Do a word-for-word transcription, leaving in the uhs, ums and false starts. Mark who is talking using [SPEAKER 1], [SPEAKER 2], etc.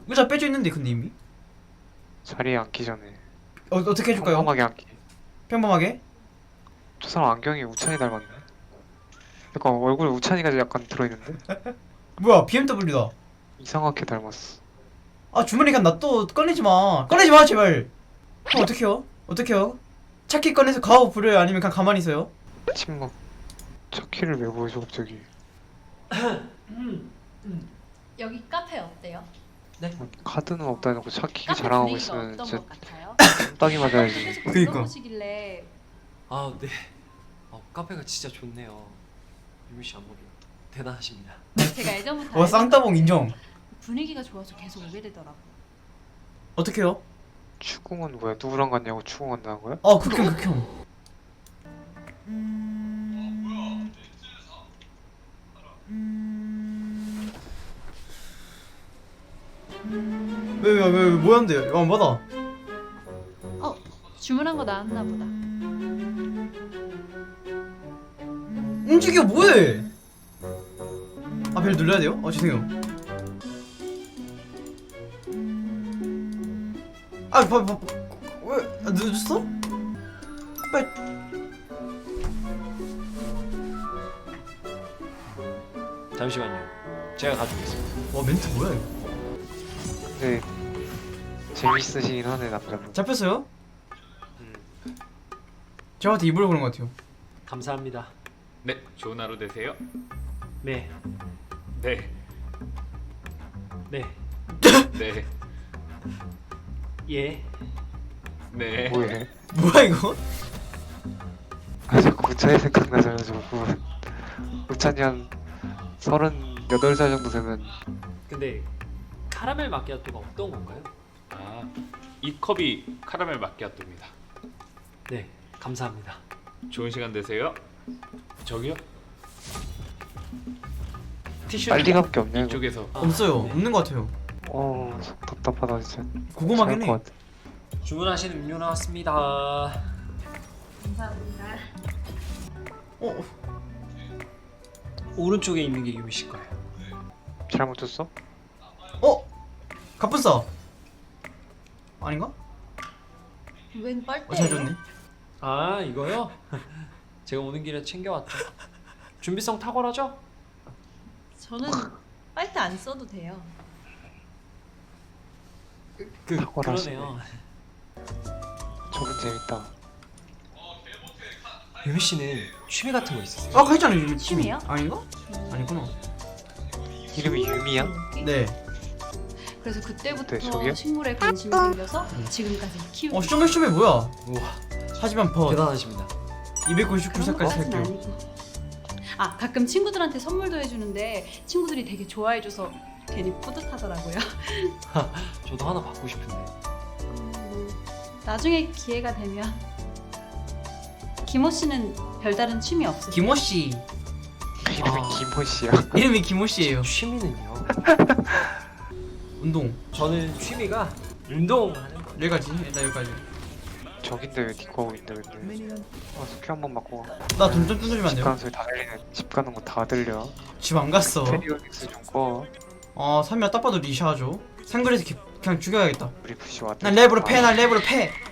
[SPEAKER 1] 의자 빼져 있는데 근데 이미?
[SPEAKER 2] 자리에 앉기 전에
[SPEAKER 1] 어, 어떻게 해줄까요?
[SPEAKER 2] 평범하게 앉기.
[SPEAKER 1] 평범하게?
[SPEAKER 2] 저 사람 안경이 우찬이 닮았네. 약간 얼굴에 우찬이가 약간 들어있는데?
[SPEAKER 1] 뭐야 비엠더블유다.
[SPEAKER 2] 이상하게 닮았어.
[SPEAKER 1] 아 주머니 그냥 놔둬. 꺼내지마 꺼내지마 제발. 그럼 어떡해요? 어떡해요? 차키 꺼내서 가오 부려요? 아니면 그냥 가만히 있어요?
[SPEAKER 2] 침묵. 첫 키를 왜 보여줘 갑자기.
[SPEAKER 3] 여기 카페 어때요?
[SPEAKER 2] 카드는 없다 해놓고 첫 키
[SPEAKER 3] 카페
[SPEAKER 2] 자랑하고
[SPEAKER 3] 분위기가
[SPEAKER 2] 있으면
[SPEAKER 3] 어떤
[SPEAKER 2] 진짜
[SPEAKER 3] 것 같아요?
[SPEAKER 2] 딱이 맞아야지.
[SPEAKER 3] 계속
[SPEAKER 1] 그니까.
[SPEAKER 3] 물어보시길래
[SPEAKER 4] 아, 네. 어, 카페가 진짜 좋네요. 유미 씨 안목이 대단하십니다.
[SPEAKER 3] 제가 예전부터
[SPEAKER 1] 와
[SPEAKER 3] 알던
[SPEAKER 1] 쌍따봉
[SPEAKER 3] 건데
[SPEAKER 1] 인정.
[SPEAKER 3] 분위기가 좋아서 계속 오게 되더라고.
[SPEAKER 1] 어떡해요?
[SPEAKER 2] 추궁은 뭐야? 누구랑 갔냐고 추궁 한다는 거야?
[SPEAKER 1] 아 극혐 극혐. 왜왜왜 왜, 왜, 뭐였는데요? 어 뭐다?
[SPEAKER 3] 어 주문한 거 나왔나 보다.
[SPEAKER 1] 움직여 뭐해? 아 벨 눌러야 돼요? 아 죄송해요. 아 봐, 봐, 왜 아, 늦었어? 빨리.
[SPEAKER 4] 잠시만요. 제가 가져오겠습니다.
[SPEAKER 1] 와 멘트 뭐야 이거?
[SPEAKER 2] 근데 재밌으시긴 하네 남자분.
[SPEAKER 1] 잡혔어요?
[SPEAKER 2] 음.
[SPEAKER 1] 저한테 입으로 그런 것 같아요.
[SPEAKER 4] 감사합니다.
[SPEAKER 5] 네, 좋은 하루 되세요.
[SPEAKER 4] 네.
[SPEAKER 5] 네,
[SPEAKER 4] 네.
[SPEAKER 5] 네,
[SPEAKER 4] 예.
[SPEAKER 5] 네.
[SPEAKER 2] 뭐해?
[SPEAKER 1] 뭐야 이거?
[SPEAKER 2] 아 자꾸 우찬이 생각나서 그분. 우찬이 한 서른여덟 살 정도 되면
[SPEAKER 4] 근데 카라멜 마키아토가 어떤 건가요?
[SPEAKER 5] 아, 이 컵이 카라멜 마키아토입니다.
[SPEAKER 4] 네. 감사합니다.
[SPEAKER 5] 좋은 시간 되세요. 저기요. 티슈
[SPEAKER 2] 빨리감기 없냐 이거?
[SPEAKER 5] 이쪽에서.
[SPEAKER 4] 아,
[SPEAKER 1] 없어요.
[SPEAKER 4] 네.
[SPEAKER 1] 없는 것 같아요.
[SPEAKER 2] 어 답답하다 진짜.
[SPEAKER 1] 고구마긴
[SPEAKER 2] 잘할
[SPEAKER 1] 해.
[SPEAKER 2] 것 같아.
[SPEAKER 4] 주문하신 음료 나왔습니다.
[SPEAKER 3] 감사합니다.
[SPEAKER 1] 어
[SPEAKER 4] 오른쪽에 있는 게 유미 씨 거예요.
[SPEAKER 2] 잘못 줬어?
[SPEAKER 1] 어? 갑분싸 아닌가?
[SPEAKER 3] 웬
[SPEAKER 1] 어 잘
[SPEAKER 3] 빨대예요?
[SPEAKER 1] 줬네.
[SPEAKER 4] 아, 이거요? 제가 오는 길에 챙겨왔죠. 준비성 탁월하죠?
[SPEAKER 3] 저는 빨대 안 써도 돼요.
[SPEAKER 4] 그
[SPEAKER 2] 탁월하시네.
[SPEAKER 4] 그러네요.
[SPEAKER 2] 저분 재밌다.
[SPEAKER 4] 유미 씨는 취미 같은 거 있으세요?
[SPEAKER 1] 아까 했잖아요 유미
[SPEAKER 3] 취미요?
[SPEAKER 1] 아닌가? 아니구나.
[SPEAKER 2] 이름이 유미야?
[SPEAKER 1] 네.
[SPEAKER 3] 그래서 그때부터
[SPEAKER 2] 네, 저기요?
[SPEAKER 3] 식물에 관심이 생겨서 지금까지 키우고
[SPEAKER 1] 어 쇼메쇼메 뭐야?
[SPEAKER 4] 우와,
[SPEAKER 1] 하지만 버
[SPEAKER 4] 대단하십니다.
[SPEAKER 1] 이백구십구 살까지
[SPEAKER 3] 것까진
[SPEAKER 1] 살게요.
[SPEAKER 3] 아니고. 아 가끔 친구들한테 선물도 해주는데 친구들이 되게 좋아해줘서 괜히 뿌듯하더라고요.
[SPEAKER 4] 저도 하나 받고 싶은데.
[SPEAKER 3] 음, 나중에 기회가 되면. 김호 씨는 별다른 취미 없으세요?
[SPEAKER 1] 김호 씨
[SPEAKER 2] 이름이
[SPEAKER 4] 아.
[SPEAKER 2] 김호 씨야.
[SPEAKER 1] 이름이 김호 씨예요.
[SPEAKER 4] 취미는요?
[SPEAKER 1] 운동
[SPEAKER 4] 저는 취미가 운동하는 거.
[SPEAKER 1] 여기까지 일단 여기까지.
[SPEAKER 2] 저긴데 왜 니코 하고 있는데 근데. 아 스큐 한번 맞고.
[SPEAKER 1] 나 돈 좀 뜯어주면 안
[SPEAKER 2] 집
[SPEAKER 1] 돼요?
[SPEAKER 2] 가는 소리 다 들리네. 집 가는 거 다 들려.
[SPEAKER 1] 집 안 갔어.
[SPEAKER 2] 페리오닉스 좀 꺼.
[SPEAKER 1] 아 삼미야 딱 봐도 리샤죠. 상그레에서 기- 그냥 죽여야겠다.
[SPEAKER 2] 우리 부시 왔다.
[SPEAKER 1] 난 랩으로 패. 난 랩으로 패.